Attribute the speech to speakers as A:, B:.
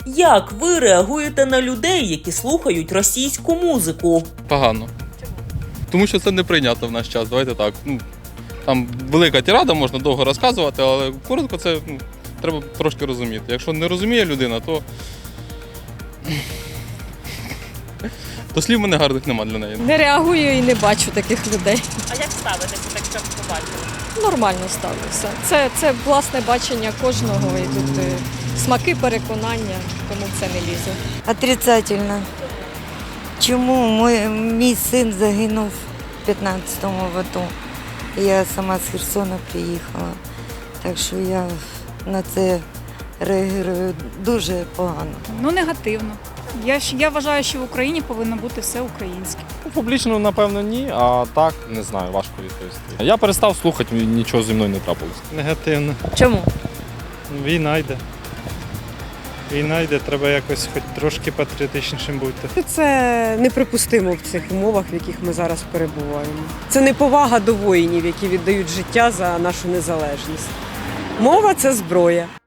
A: Як ви реагуєте на людей, які слухають російську музику?
B: Погано. Тому що це не прийнято в наш час, давайте так. Там велика тирада, можна довго розказувати, але коротко це треба трошки розуміти. Якщо не розуміє людина, то слів мене гарних нема для неї.
C: Не реагую і не бачу таких людей.
A: А як ставитеся, так щоб побачили?
C: Нормально ставлюся. Це власне бачення кожного і тут смаки, переконання, тому це не лізе.
D: Отрицательно. Чому мій син загинув в 15-му в АТО? Я сама з Херсона приїхала, так що я на це реагую дуже погано.
E: Негативно. Я вважаю, що в Україні повинно бути все українське.
F: Публічно, напевно, ні, а так, не знаю, важко відповісти. Я перестав слухати, нічого зі мною не трапилось.
G: Негативно.
C: Чому?
G: Війна йде. Війна йде, треба якось хоч трошки патріотичнішим бути.
H: Це неприпустимо в цих умовах, в яких ми зараз перебуваємо. Це неповага до воїнів, які віддають життя за нашу незалежність. Мова – це зброя.